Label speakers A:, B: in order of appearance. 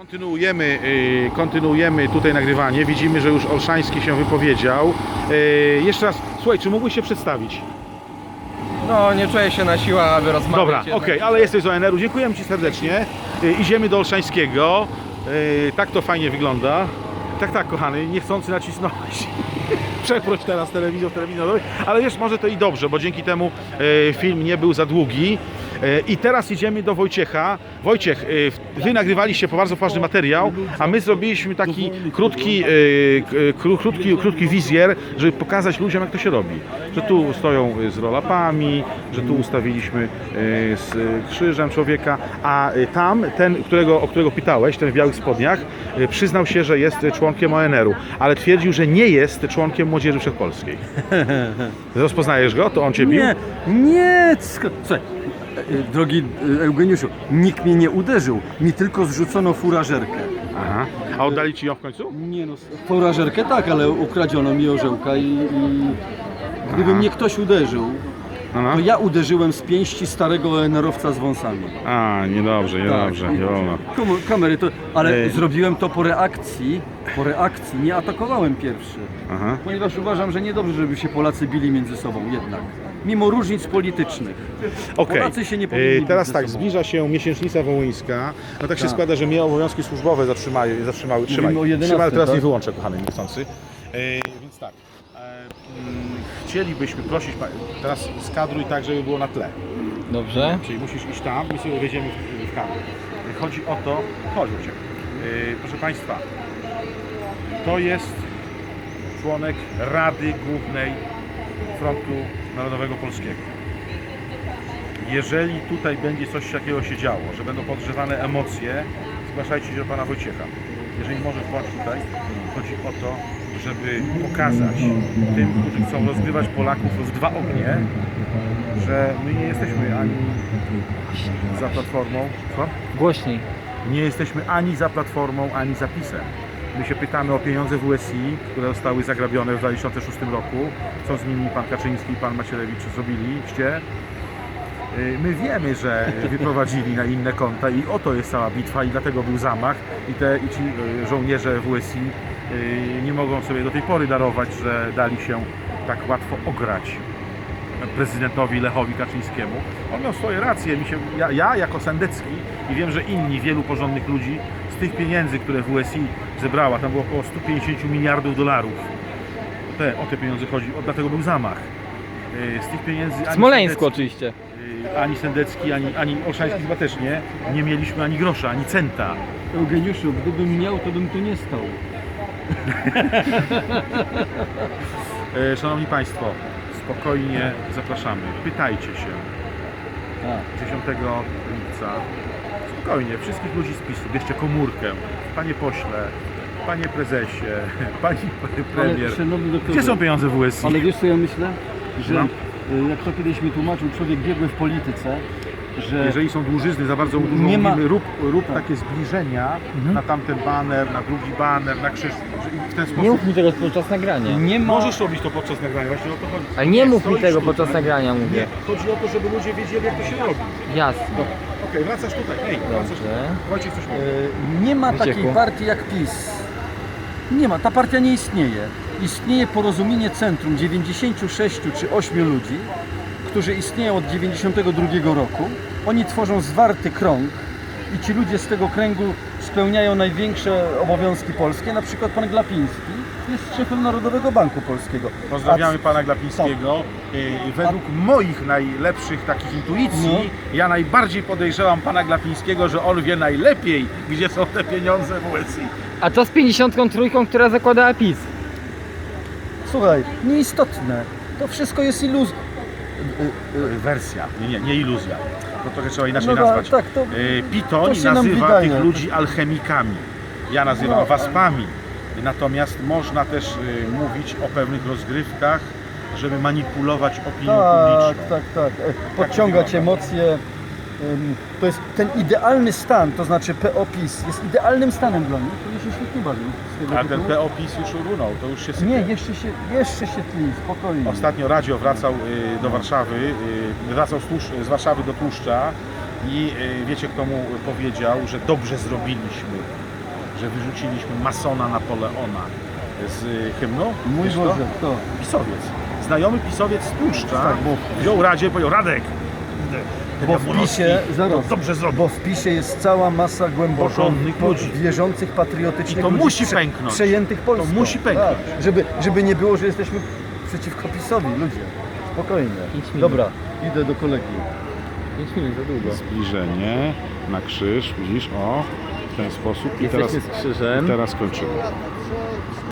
A: Kontynuujemy tutaj nagrywanie. Widzimy, że już Olszański się wypowiedział. Jeszcze raz, słuchaj, czy mógłbyś się przedstawić?
B: No, nie czuję się na siłę, aby rozmawiać.
A: Dobra, okej, ale jesteś z ONR-u. Dziękujemy Ci serdecznie. Idziemy do Olszańskiego. Tak to fajnie wygląda. Tak, kochany, niechcący nacisnąłeś. Przeproś teraz telewizor, ale wiesz, może to i dobrze, bo dzięki temu film nie był za długi. I teraz idziemy do Wojciecha. Wojciech, wy nagrywaliście bardzo ważny materiał, a my zrobiliśmy taki krótki wizjer, żeby pokazać ludziom, jak to się robi. Że tu stoją z roll-upami, że tu ustawiliśmy z krzyżem człowieka, a tam ten, o którego pytałeś, ten w białych spodniach, przyznał się, że jest członkiem ONR-u, ale twierdził, że nie jest członkiem Młodzieży Wszechpolskiej. Rozpoznajesz go? To on cię bił?
C: Nie! Słuchaj, drogi Eugeniuszu, nikt mnie nie uderzył, mi tylko zrzucono furażerkę.
A: Aha. A oddali ci ją w końcu?
C: Nie no, furażerkę tak, ale ukradziono mi orzełka i gdyby mnie ktoś uderzył, to ja uderzyłem z pięści starego ONR-owca z wąsami.
A: A, niedobrze, nie wolno.
C: Kamery to, ale zrobiłem to po reakcji, nie atakowałem pierwszy.
A: Aha.
C: Ponieważ uważam, że niedobrze, żeby się Polacy bili między sobą jednak. Mimo różnic politycznych.
A: Okej.
C: Polacy się nie powinni bić
A: teraz
C: ze
A: tak,
C: sobą.
A: zbliża się miesięcznica wołyńska. No tak się
C: Tak.
A: składa, że mnie obowiązki służbowe zatrzymały. Trzymaj,
C: o 11,
A: ale teraz
C: tak?
A: nie wyłączę, kochany, niechcący. Więc tak, chcielibyśmy prosić, teraz skadruj tak, żeby było na tle.
B: Dobrze.
A: Czyli musisz iść tam, my sobie wejdziemy w kadr. Chodzi o to, chodź Uciek. Proszę Państwa, to jest członek Rady Głównej Frontu Narodowego Polskiego. Jeżeli tutaj będzie coś takiego się działo, że będą podgrzewane emocje, zgłaszajcie się do Pana Wojciecha. Jeżeli może włącz tutaj, chodzi o to, żeby pokazać tym, którzy chcą rozgrywać Polaków w dwa ognie, że my nie jesteśmy ani za Platformą, co?
B: Głośniej.
A: Nie jesteśmy ani za Platformą, ani za PiS-em. My się pytamy o pieniądze WSI, które zostały zagrabione w 2006 roku, co z nimi pan Kaczyński i pan Macierewicz zrobiliście. My wiemy, że wyprowadzili na inne konta i oto jest cała bitwa i dlatego był zamach i ci żołnierze WSI nie mogą sobie do tej pory darować, że dali się tak łatwo ograć prezydentowi Lechowi Kaczyńskiemu. On miał swoje racje. Ja jako Sendecki i wiem, że inni, wielu porządnych ludzi z tych pieniędzy, które WSI zebrała, tam było około 150 miliardów dolarów. O te pieniądze chodzi, dlatego był zamach. Z tych pieniędzy
B: W Smoleńsku oczywiście.
A: ani Sendecki, ani Olszański chyba też nie mieliśmy ani grosza, ani centa.
C: Eugeniuszu, gdybym miał, to bym tu nie stał.
A: Szanowni Państwo, spokojnie zapraszamy. Pytajcie się. 10 lipca. Spokojnie, wszystkich ludzi z PiS-u. Bierzcie komórkę. Panie pośle, panie prezesie, pani premier.
C: Ale, szanowny doktorze,
A: Gdzie są pieniądze WSI?
C: Ale wiesz co ja myślę? Że
A: No.
C: jak to kiedyś mi tłumaczył człowiek biegły w polityce, że
A: Jeżeli są dłużyzny za bardzo dużo,
C: Nie ma-
A: mówimy, rób takie zbliżenia na tamten baner, na drugi baner, na krzyż. I w ten sposób
B: Nie mów mi tego podczas nagrania.
C: nie ma...
A: możesz robić to podczas nagrania, właśnie o to chodzi.
B: Ale nie mów mi
A: stoisz
B: tego
A: tutaj.
B: podczas nagrania, mówię.
A: Nie, chodzi o to, żeby ludzie wiedzieli, jak to się robi.
B: Jasne.
A: Okej, wracasz tutaj. Wracasz tutaj.
B: Dobrze.
A: Wojciech coś mówi.
C: Nie ma
B: Wycieku.
C: takiej partii jak PiS. Nie ma, ta partia nie istnieje. Istnieje Porozumienie Centrum 96 czy 8 ludzi, którzy istnieją od 92 roku. Oni tworzą zwarty krąg i ci ludzie z tego kręgu spełniają największe obowiązki polskie. Na przykład pan Glapiński jest szefem Narodowego Banku Polskiego.
A: Pozdrawiamy pana Glapińskiego. Według moich najlepszych takich intuicji, ja najbardziej podejrzewam pana Glapińskiego, że on wie najlepiej, gdzie są te pieniądze WSI.
B: A co z 53, która zakładała PiS?
C: Słuchaj, nieistotne. To wszystko jest iluzja.
A: Wersja, nie iluzja. To trochę trzeba inaczej
C: No
A: nazwać.
C: tak, to
A: Pitoń
C: się nam
A: nazywa
C: wydaje.
A: tych ludzi alchemikami. Ja nazywam
C: No.
A: waspami. Natomiast można też mówić o pewnych rozgrywkach, żeby manipulować opinią publiczną.
C: Tak. Podciągać emocje. To jest ten idealny stan, to znaczy PO-PiS jest idealnym stanem dla nich, który się świetnie bawił z tego
A: A ten
C: tytułu.
A: PO-PiS już runął, to już się sypie.
C: Nie, jeszcze się tli, spokojnie.
A: Ostatnio Radio wracał do Warszawy, wracał z Warszawy do Tłuszcza i wiecie, kto mu powiedział, że dobrze zrobiliśmy, że wyrzuciliśmy masona Napoleona z hymnu?
C: Mój
A: Wiesz
C: Boże,
A: kto?
C: kto?
A: Pisowiec. Znajomy pisowiec z Tłuszcza
C: Tak,
A: wziął radzie i powiedział: Radek,
C: Bo w PiSie, zaraz,
A: dobrze zrobił.
C: bo w PiSie jest cała masa głęboko
A: Porządnych ludzi.
C: wierzących, patriotycznych
A: I to
C: ludzi
A: musi pęknąć.
C: przejętych Polską.
A: To musi pęknąć.
C: Tak, żeby nie było, że jesteśmy przeciwko PiSowi, ludzie. Spokojnie.
B: 5 minut.
C: Dobra, idę do kolegi.
B: 5 minut za długo.
A: Zbliżenie na krzyż, widzisz, o, w ten sposób.
B: Jesteśmy z krzyżem.
A: Teraz kończymy.